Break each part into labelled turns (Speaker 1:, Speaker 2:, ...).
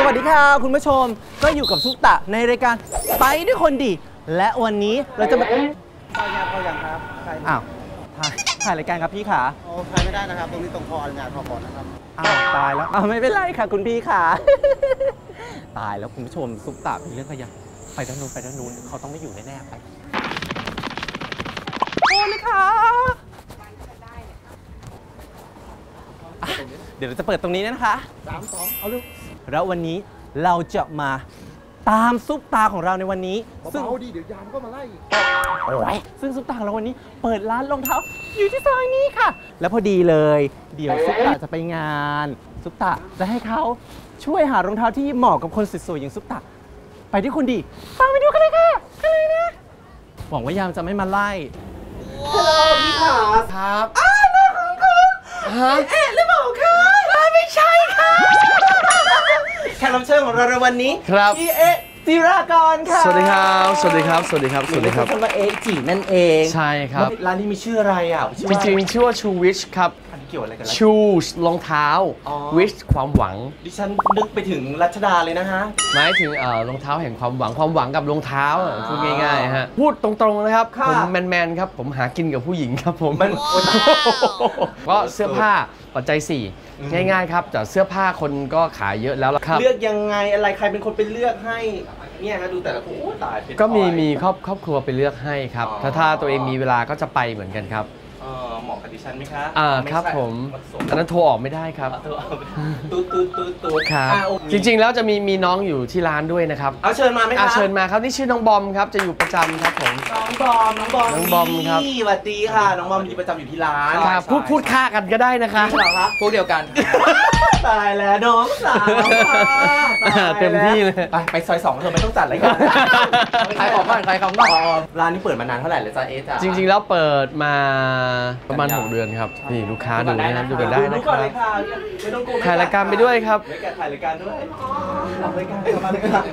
Speaker 1: วัสดีค่ะคุณผู้ชมก็อยู่กับซุปตะในรายการไปด้วยคนดีและวันนี้เราจะมา
Speaker 2: เข้ายังครับ
Speaker 1: อ้าวถ่ายรายการครับพี่ขา
Speaker 2: ถ่ายไม่ได้นะครับตรงนี้ตรงคออนุญาตพอก่อนนะครับ
Speaker 1: อ้าวตายแล้วไม่เป็นไรค่ะคุณพี่ขาตายแล้วคุณผู้ชมซุปตะมีเรื่องอะไรยังไปด้านนู้นเขาต้องไม่อยู่แน่ๆไปโอ้เลยค่ะเดี๋ยวเราจะเปิดตรงนี้นะคะ
Speaker 2: 3 2เอาลูก
Speaker 1: แล้ววันนี้เราจะมาตามซุปตาของเราในวันนี้
Speaker 2: ซึ่งเอาดีเดี๋ยวยามก็มาไล่
Speaker 1: ซึ่งซุปตาของเราวันนี้เปิดร้านรองเท้าอยู่ที่ซอยนี้ค่ะแล้วพอดีเลยเดี๋ยวซุปตาจะไปงานซุปตาจะให้เขาช่วยหารองเท้าที่เหมาะกับคนสวยๆอย่างซุปตาไปที่คุณดีตามไปดูกันเลยค่ะกันเลยนะหวังว่ายามจะไม่มาไล่ฮัลโหลพี่ขา
Speaker 2: ครับ
Speaker 1: น้องคุณฮะเอ๊ะหรือเปล่าคะไม่ใช่ค่ะแขกรับเชิญของเราในวันนี้
Speaker 2: ครับ
Speaker 1: พี่เอ๊ะจิรากรค่ะ
Speaker 2: สวัสดีครับสวัสดีครับสวัสดีครับสวัสดีครับ
Speaker 1: ชื่อว่าเอ๊ะจินั่นเอง
Speaker 2: ใช่ครับ
Speaker 1: ร้านนี้มีชื่ออะไรอ่ะ
Speaker 2: จริงๆชื่อว่าชูวิชครับ
Speaker 1: อันนี้เกี่ยวอะไรกัน
Speaker 2: ชูรองเท้าวิชความหวัง
Speaker 1: ดิฉันนึกไปถึงรัชดาเลยนะฮะ
Speaker 2: หมายถึงรองเท้าแห่งความหวังกับรองเท้าพูดง่ายๆฮะพูดตรงๆนะครับผมแมนครับผมหากินกับผู้หญิงครับผมก็เสื้อผ้าปัจจัย4ง่ายๆครับแต่เสื้อผ้าคนก็ขายเยอะแล้วครับ
Speaker 1: เลือกยังไงอะไรใครเป็นคนไปเลือกให้เนี่ยนะดูแต่ละคนตาย
Speaker 2: ก็มีครอบครัวไปเลือกให้ครับถ้าตัวเองมีเวลาก็จะไปเหมือนกันครับ
Speaker 1: เหมาะกับดิฉันไหมคะ
Speaker 2: ครับผมอันนั้นโทรออกไม่ได้ครับ
Speaker 1: ตูด
Speaker 2: ครับจริงๆแล้วจะมีน้องอยู่ที่ร้านด้วยนะครับ
Speaker 1: เอาเชิญมาไหมคะ
Speaker 2: เชิญมาครับนี่ชื่อน้องบอมครับจะอยู่ประจำครับผม
Speaker 1: น้องบอมครับสวัสดีค่ะน้องบอมอยู่ประจำอยู่ที่ร้าน
Speaker 2: พูดค่ากันก็ได้นะคะ
Speaker 1: พวกเดียวกันตายแล้วน้องสาว
Speaker 2: เต็มที่เลย
Speaker 1: ไปซอย2เธอไม่ต้องจัดอะไรกันใครของก่อนร้านนี้เปิดมานานเท่าไหร่เลยจ้าเอ๊ะจ้า
Speaker 2: จริงๆแล้วเปิดมาประมาณ6 เดือนครับนี่ลูกค้าดูนะดูกันได้นะครับถ่ายรายการไปด้วยครับ
Speaker 1: ถ่ายรายการด้วยทำรายการมาเลยค่ะ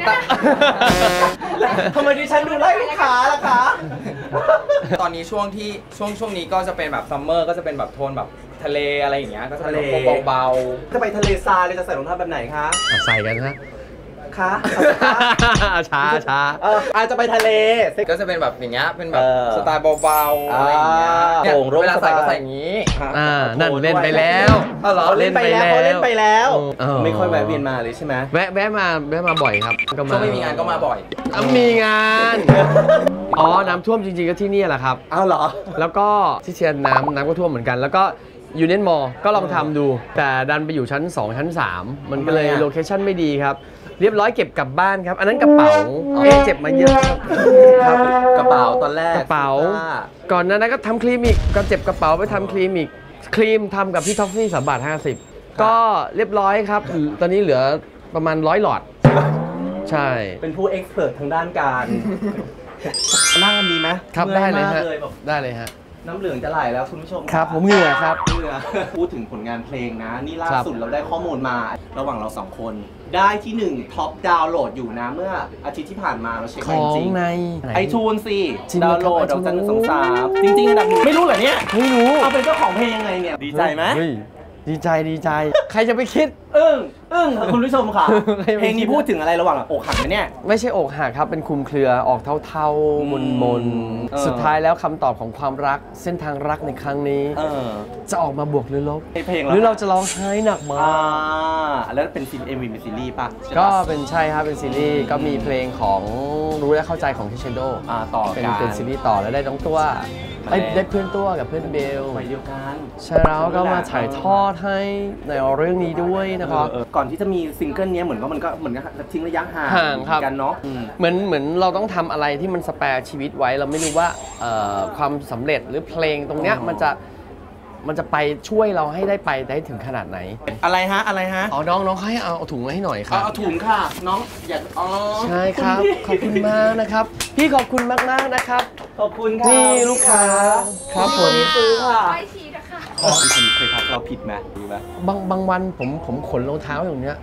Speaker 1: ทำไมดิฉันดูไล่ลูกค้าล่ะคะ
Speaker 3: ตอนนี้ช่วงนี้ก็จะเป็นแบบซัมเมอร์ก็จะเป็นแบบโทนแบบทะเลอะไรอย่างเงี้ยก็จะเป็นเบา
Speaker 1: ๆจะไปทะเลทรายเลยจะใส่รองเท้าแบบไหนคะ
Speaker 2: ใส่กันฮะ
Speaker 1: คะ
Speaker 2: ช้า
Speaker 1: อาจจะไปทะเล
Speaker 3: ก็จะเป็นแบบอย่างเงี้ยเป็นแบบสไตล์เบาๆอะไรอย่างเงี้ยเวลาใส่ก็ใส่อย่างงี้
Speaker 2: นั่นเล่นไปแล้ว
Speaker 1: เล่นไปแล้วไม่ค่อยแวะเวียนมาเลยใช่ไหม
Speaker 2: แวะมาบ่อยครับ
Speaker 3: ช่วงไม่มีงานก็มาบ่อย
Speaker 2: มีงานน้ำท่วมจริงๆก็ที่นี่แหละครับ
Speaker 1: อ้าวเหรอ
Speaker 2: แล้วก็ที่เชียงน้ำก็ท่วมเหมือนกันแล้วก็ยูเนียนมอลก็ลองทำดูแต่ดันไปอยู่ชั้น2ชั้น3มันก็เลยโลเคชั่นไม่ดีครับเรียบร้อยเก็บกลับบ้านครับอันนั้นกระเป๋าเจ็บมาเยอะ
Speaker 1: ครับกระเป๋าตอนแรก
Speaker 2: กระเป๋าก่อนนั้นก็ทำครีมอีกก็เจ็บกระเป๋าไปทำครีมอีกครีมทำกับพี่ท็อฟฟี่3.50 ก็เรียบร้อยครับตอนนี้เหลือประมาณ100 หลอดใช่
Speaker 1: เป็นผู้เอ็กซ์เพรสทางด้านการนั่งกันดีไหม
Speaker 2: ครับได้เลยฮะได้เลยฮะ
Speaker 1: น้ำเหลืองจะไหลแล้วคุณผู้ชม
Speaker 2: ครับผมเหงื่อครับ
Speaker 1: พูดถึงผลงานเพลงนะนี่ล่าสุดเราได้ข้อมูลมาระหว่างเรา2 คนได้ที่1ท็อปดาวน์โหลดอยู่นะเมื่ออาทิตย์ที่ผ่านมาเราเช็คจริง
Speaker 2: ใน
Speaker 1: ไอทูนสิดาวน์โหลดดอกจัน123จริงๆอันดับ1ไม่รู้เหรอเนี่ย
Speaker 2: ไม่รู้
Speaker 1: เอาเป็นเจ้าของเพลงยังไงเนี่ยดีใจไหม
Speaker 2: ดีใจใครจะไปคิด
Speaker 1: คุณผู้ชมค่ะเพลงนี้พูดถึงอะไรระหว่างอกหักไหมเนี่ย
Speaker 2: ไม่ใช่อกหักครับเป็นคลุมเครือออกเท่าๆมนสุดท้ายแล้วคำตอบของความรักเส้นทางรักในครั้งนี้จะออกมาบวกหรือลบหรือเราจะร้องไห้หนักมาก
Speaker 1: แล้วเป็นซีรีส์เป็นซีรีส์ป่ะ
Speaker 2: ก็เป็นใช่ครับเป็นซีรีส์ก็มีเพลงของรู้และเข้าใจของทิเชโด
Speaker 1: ต่อ
Speaker 2: เป็นซีรีส์ต่อแล้วได้น้องตัวได้เพื่อนตัวกับเพื่อนเบล
Speaker 1: ไปเดียวกัน
Speaker 2: ใช่แล้วก็มาถ่ายทอดให้ในเรื่องนี้ด้วยนะครับ
Speaker 1: ก่อนที่จะมีซิงเกิลนี้เหมือนกับทิ้งระยะห่างกันเนาะ
Speaker 2: เหมือนเราต้องทำอะไรที่มันสแปร์ชีวิตไว้เราไม่รู้ว่าความสำเร็จหรือเพลงตรงเนี้ยมันจะไปช่วยเราให้ได้ถึงขนาดไหน
Speaker 1: อะไรฮะ
Speaker 2: น้องให้เอาถุงมาให้หน่อยครับ
Speaker 1: เอาถุงค่ะน้องอยาก
Speaker 2: ใช่ครับขอบคุณมากนะครับพี่ขอบคุณมากนะครับ
Speaker 1: ขอบคุณค่ะ
Speaker 2: นี่ลูกค้าครับผม
Speaker 1: ซื้อค่ะไม่ชี้นะคะคุณเคยทักเราผิดไหม
Speaker 2: บางวันผมขนรองเท้าอย่างเนี้ย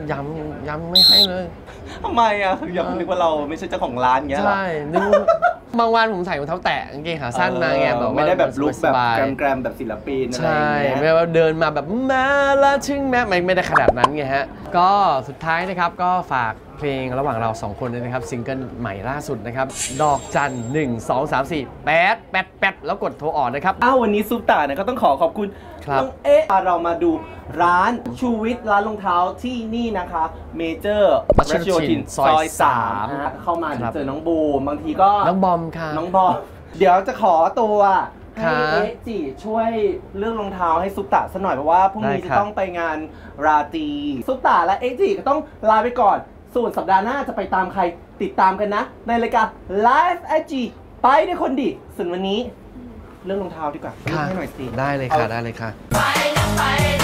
Speaker 2: ย้ำไม่ให้เลย
Speaker 1: ทำไมอ่ะยังนึกว่าเราไม่ใช่เจ้าของร้านเงี้ย
Speaker 2: ใช่นึกบางวันผมใส่รองเท้าแตะกางเกงขาสั้นมาไงแบบ
Speaker 1: ไม่ได้แบบลุคแบบ
Speaker 2: สบาย
Speaker 1: แกรมๆแบบศิลปินอะไร
Speaker 2: ใช่
Speaker 1: อย่าง
Speaker 2: ไม่
Speaker 1: เงี้ย
Speaker 2: ว่าเดินมาแบบมาละถึงแม้ไม่ได้ขนาดนั้นไงฮะก็สุดท้ายนะครับก็ฝากเพลงระหว่างเรา2คนด้วยนะครับซิงเกิลใหม่ล่าสุดนะครับดอกจัน1 2 3 4 8 แล้วกดโทรออกนะครับ
Speaker 1: วันนี้ซุปตาเนี่ยก็ต้องขอบคุณ
Speaker 2: ครับ
Speaker 1: น้องเอ๊ะเรามาดูร้านชูวิทย์ร้านรองเท้าที่นี่นะคะเมเจอร์
Speaker 2: รัชโยธินซอย3
Speaker 1: นะฮะเข้ามา
Speaker 2: ครับ
Speaker 1: เจอน้องบูมบางทีก็
Speaker 2: น้องบอมค่ะ
Speaker 1: น้องบอมเดี๋ยวจะขอตัวให้
Speaker 2: ค่ะ
Speaker 1: เอ๊ะจีช่วยเรื่องรองเท้าให้ซุปตาสักหน่อยเพราะว่าพรุ่งนี้
Speaker 2: ได้
Speaker 1: จะ
Speaker 2: ครับ
Speaker 1: ต้องไปงานราตรีซุปตาและเอ๊ะจีก็ต้องลาไปก่อนส่วนสัปดาห์หน้าจะไปตามใครติดตามกันนะ ในรายการ Live IG ไปด้วยคนดีส่วนวันนี้เรื่องรองเท้าดีกว่า
Speaker 2: ค่ะ
Speaker 1: ให้หน่อยสิ
Speaker 2: ได้เลยค่ะได้เลยค่ะ
Speaker 4: ไปนะไป